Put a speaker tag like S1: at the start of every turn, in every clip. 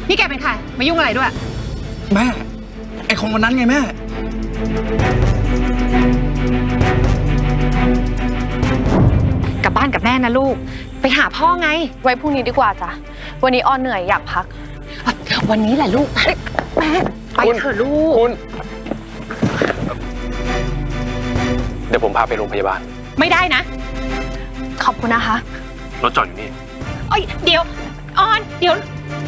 S1: นี่แกเป็นใครมายุ่งอะไรด้วย
S2: แม่ไอคนวันนั้นไงแม่
S1: กลับบ้านกับแม่นะลูกไปหาพ่อไง
S3: ไว้พรุ่งนี้ดีกว่าจ้ะวันนี้ออนเหนื่อยอยากพัก
S1: วันนี้แหละลูกแม่ไปเถอะลูก
S4: คุณเดี๋ยวผมพาไปโรงพยาบาล
S1: ไม่ได้นะ
S3: ขอบคุณนะคะ
S4: รถจอดอยู่นี่
S1: เอ้ยเดี๋ยวออนเดี๋ยว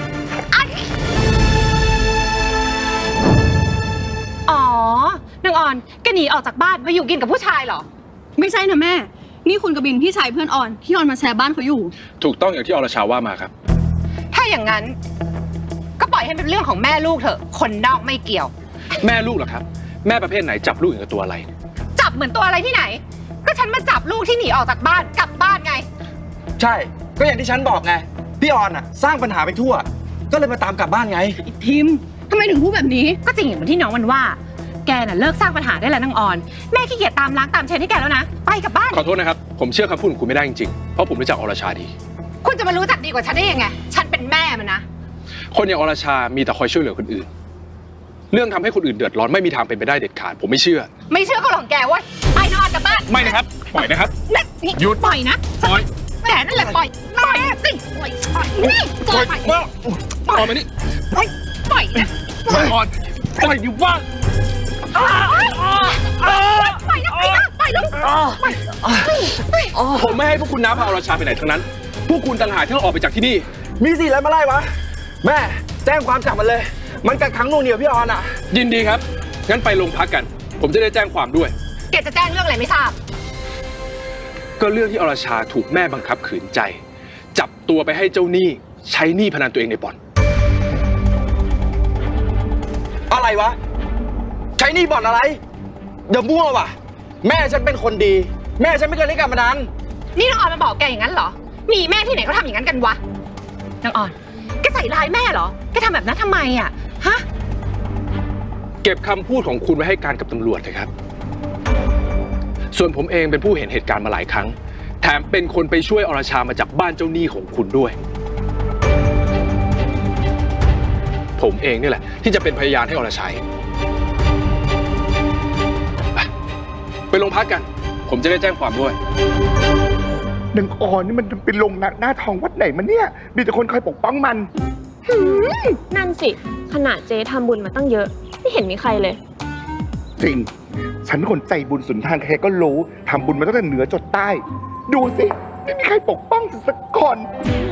S1: อ๋อนางออนแกหนีออกจากบ้านมาอยู่กินกับผู้ชายเหรอ
S5: ไม่ใช่นะแม่ นี่คุณกบินพี่ชายเพื่อนออนที่ออนมาแชร์บ้านเขาอยู่
S4: ถูกต้องอย่างที่อรชาว่ามาครับ
S1: ถ้าอย่างนั้นก็ปล่อยให้เป็นเรื่องของแม่ลูกเถอะคนนอกไม่เกี่ยว
S4: แม่ลูกเหรอครับแม่ประเภทไหนจับลูกอย่างกับตัวอะไร
S1: จับเหมือนตัวอะไรที่ไหน ก็ฉันมาจับลูกที่หนีออกจากบ้านกลับบ้านไง
S2: ใช่ก็อย่างที่ฉันบอกไงพี่ออนอ่ะสร้างปัญหาไปทั่ว ก็เลยมาตามกลับบ้านไง
S5: ทิมทำไมถึงพูดแบบนี้
S1: ก็จริงอย่างที่น้องมันว่าแกน่ะเลิกสร้างปัญหาได้แล้วนางออนแม่ขี้เกียจตามล้างตามเช็ดให้แกแล้วนะไปกลับบ้าน
S4: ขอโทษนะครับผมเชื่อคำพูดของคุณไม่ได้จริงๆเพราะผมรู้จักอรชาดี
S1: คุณจะมารู้จักดีกว่าฉันได้ยังไงฉันเป็นแม่มันนะ
S4: คนอย่างอรชามีแต่คอยช่วยเหลือคนอื่น เรื่องทำให้คนอื่นเดือดร้อนไม่มีทางเป็นไปได้เด็ดขาดผมไม่เชื่อ
S1: ไม่เชื่อก็หลงแกเว้ยไปนอนกลับบ้าน
S4: ไม่นะครับปล่อยนะครับ
S1: นี่
S4: หยุด
S1: ปล่อยนะ
S4: ปล่อย
S1: แกนั่นแหละปล่อยสิปล่อยนี่ปล่อย
S4: ว่าปล่อยมานี่
S1: ปล่อยนะ
S4: ปล่อยก่อนปล่อยดิว่า
S1: ปล่อยนะปล่อยลูก
S4: ผมไม่ให้พวกคุณน้าพาอรชาไปไหนทั้งนั้น พวกคุณต่างหากที่ต้องออกไปจากที่นี่
S2: มีสิแล้วมาไล่วะแม่แจ้งความจับมันเลย มันกักขังหน่วงเหนี่ยวพี่ออนอ่ะ
S4: ยินดีครับงั้นไปโรงพักกัน ผมจะได้แจ้งความด้วย
S1: แกจะแจ้งเรื่องอะไรไม่ทราบ
S4: ก็เรื่องที่อรชาถูกแม่บังคับขืนใจ จับตัวไปให้เจ้าหนี้ใช้หนี้พนันตัวเองในบ่อน
S2: อะไรวะใช้หนี่บ่อนอะไรอย่ามั่วว่ะแม่ฉันเป็นคนดี แม่ฉันไม่เคยเล่นการพนัน
S1: นี่น้องออนมาบอกแกอย่างนั้นเหรอมีแม่ที่ไหนเขาทำอย่างนั้นกันวะน้องออนแกใส่ร้ายแม่เหรอแกทำแบบนั้นทำไมอ่ะฮะ
S4: เก็บคำพูดของคุณไว้ให้การกับตำรวจเลยครับ ส่วนผมเองเป็นผู้เห็นเหตุการณ์มาหลายครั้ง แถมเป็นคนไปช่วยอรชามาจากบ้านเจ้าหนี้ของคุณด้วย ผมเองนี่แหละที่จะเป็นพยานให้อรชัยไปโรงพักกัน ผมจะได้แจ้งความด้วย
S6: นางออนนี่มันเป็นลงหน้าทองวัดไหนมันเนี่ย มีแต่คนคอยปกป้องมัน
S3: นั่นสิขนาดเจ๊ทำบุญมาตั้งเยอะไม่เห็นมีใครเลย
S6: จริง ฉันเป็นคนใจบุญสุนทานใครก็รู้ทำบุญมาตั้งแต่เหนือจดใต้ ดูสิ ไม่มีใครปกป้องสักคน